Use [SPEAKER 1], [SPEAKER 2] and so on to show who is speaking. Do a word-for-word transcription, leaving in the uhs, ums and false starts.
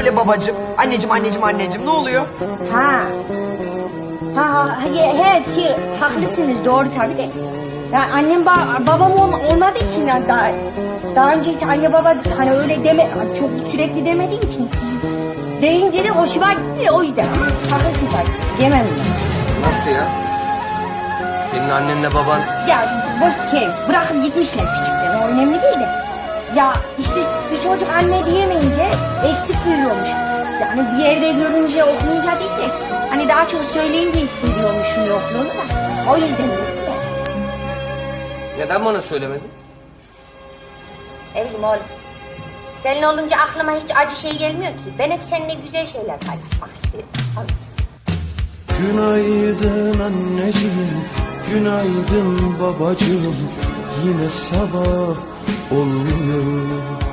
[SPEAKER 1] söyle babacığım. Anneciğim anneciğim anneciğim ne oluyor?
[SPEAKER 2] Ha. Ha, ha he, he, şey, haklısınız doğru tabii de. Ya annem ba babam olma, olmadığı için yani daha daha önce hiç anne baba hani öyle deme çok sürekli demediğim için siz deyince de hoşuma gitti o yüzden. Haklısın tabii. Yemem ben.
[SPEAKER 1] Nasıl ya? Senin annenle baban...
[SPEAKER 2] Ya boş şey bırakıp gitmişler küçükten o önemli değil de. Ya işte bir çocuk anne diyemeyince eksik görüyormuş. Yani bir yerde görünce okuyunca değil de hani daha çok söyleyince hissediyormuşum yokluğunu da. O yüzden dedim de.
[SPEAKER 1] Neden bana söylemedin?
[SPEAKER 2] Ne bileyim oğlum. Senin olunca aklıma hiç acı şey gelmiyor ki. Ben hep seninle güzel şeyler paylaşmak istiyorum. Tabii.
[SPEAKER 3] Günaydın anneciğim, günaydın babacığım. Yine sabah olmuyor.